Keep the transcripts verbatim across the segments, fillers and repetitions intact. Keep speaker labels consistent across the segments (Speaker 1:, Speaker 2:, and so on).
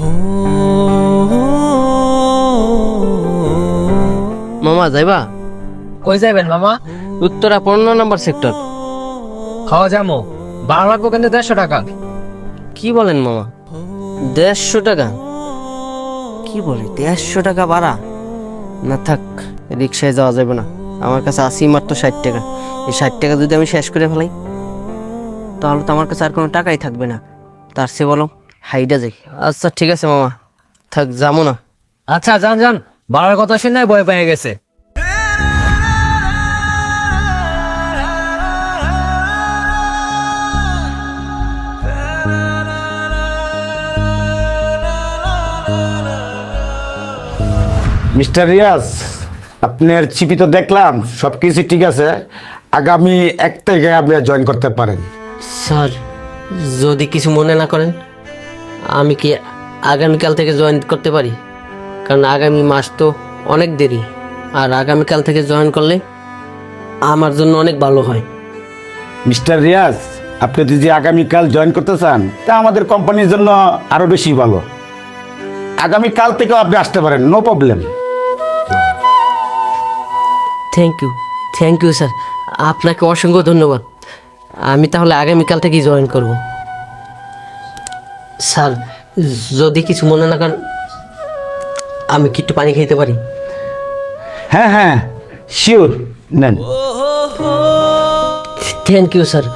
Speaker 1: মামা যাইবা?
Speaker 2: কই যাবেন মামা?
Speaker 1: উত্তরা পনেরো নম্বর সেক্টর।
Speaker 2: খাওয়া যাবো, ভাড়া লাগবো কিন্তু দেড়শো টাকা।
Speaker 1: কি বলেন মামা? দেড়শো টাকা? কি বলে দেড়শো টাকা ভাড়া? না থাক, রিক্সায় যাওয়া যাবে না। আমার কাছে আসি মাত্র ষাট টাকা। এই ষাট টাকা যদি আমি শেষ করে ফেলাই তাহলে তো আমার কাছে আর কোনো টাকাই থাকবে না। তার চেয়ে বলো হাইডা যাই। আচ্ছা ঠিক আছে মামা, থাক যাবো না।
Speaker 2: আচ্ছা যান যান, ভাড়ার কথা শুনে ভয় পেয়ে গেছে।
Speaker 3: মিস্টার রিয়াজ, আপনার চিপি তো দেখলাম, সব কিছু ঠিক আছে। আগামী এক তারিখে আপনি জয়েন করতে পারেন।
Speaker 1: স্যার যদি কিছু মনে না করেন, আমি কি আগামীকাল থেকে জয়েন করতে পারি? কারণ আগামী মাস তো অনেক দেরি, আর আগামীকাল থেকে জয়েন করলে আমার জন্য অনেক ভালো হয়।
Speaker 3: মিস্টার রিয়াজ, আপনি যদি আগামীকাল জয়েন করতে চান তা আমাদের কোম্পানির জন্য আরো বেশি ভালো। আগামীকাল থেকেও আপনি আসতে পারেন, no problem.
Speaker 1: Thank you, thank you sir, আপনাকে অসংখ্য ধন্যবাদ। আমি তাহলে আগামীকাল থেকেই জয়েন করব। স্যার যদি কিছু মনে না করেন, আমি কি একটু পানি খেতে পারি?
Speaker 3: হ্যাঁ হ্যাঁ, শিওর, নেন।
Speaker 1: Thank you sir.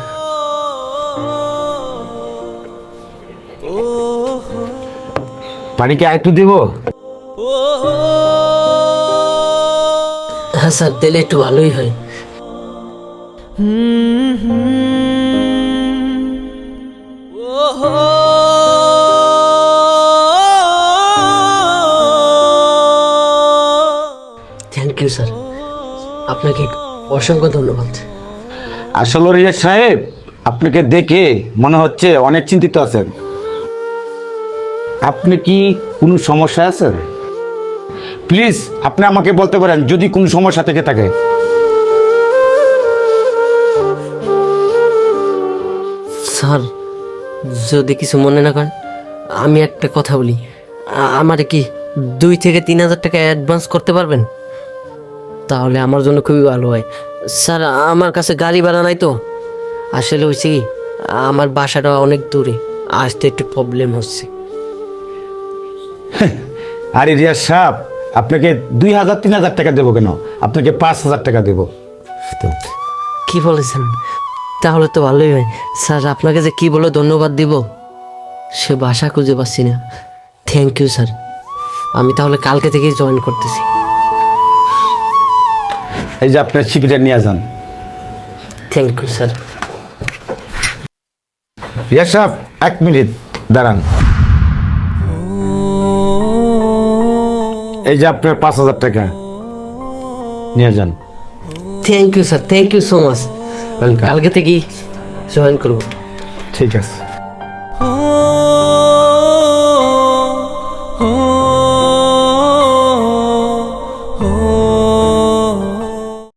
Speaker 3: পানি কি আরেকটু দিব?
Speaker 1: হ্যাঁ স্যার, দিলে একটু ভালোই হয়। থ্যাংক ইউ স্যার, আপনাকে অসংখ্য ধন্যবাদ।
Speaker 3: আসলে রিয়াজ সাহেব, আপনাকে দেখে মনে হচ্ছে অনেক চিন্তিত আছেন। আপনি কি কোনো সমস্যা আছে? প্লিজ আপনি আমাকে বলতে পারেন যদি কোনো সমস্যা থেকে থাকে।
Speaker 1: স্যার যদি কিছু মনে না করেন, আমি একটা কথা বলি। আমার কি দুই থেকে তিন হাজার টাকা অ্যাডভান্স করতে পারবেন? তাহলে আমার জন্য খুবই ভালো হয়। স্যার আমার কাছে গাড়ি ভাড়া নাই তো। আসলে হয়েছে কি, আমার বাসাটা অনেক দূরে, আসতে একটু প্রবলেম হচ্ছে।
Speaker 3: আরে রিয়াজ সাহেব, আপনাকে দুই হাজার তিন হাজার টাকা দেবো কেন? আপনাকে পাঁচ হাজার টাকা দেবো।
Speaker 1: কি বলেছেন? তাহলে তো ভালোই হয়। স্যার আপনাকে যে কি বলে ধন্যবাদ দিব সে ভাষা খুঁজে পাচ্ছি না। থ্যাংক ইউ স্যার, আমি তাহলে কালকে থেকেই জয়েন করতেছি।
Speaker 3: এই যে আপনার চিঠিটা নিয়ে যান।
Speaker 1: Thank you sir.
Speaker 3: রিয়াজ সাহেব এক মিনিট দাঁড়ান। এই যে আপনার পাঁচ হাজার টাকা নিয়ে যান।
Speaker 1: Thank you sir, thank you so much. কালকে থেকেই জয়েন করবো।
Speaker 3: ঠিক আছে।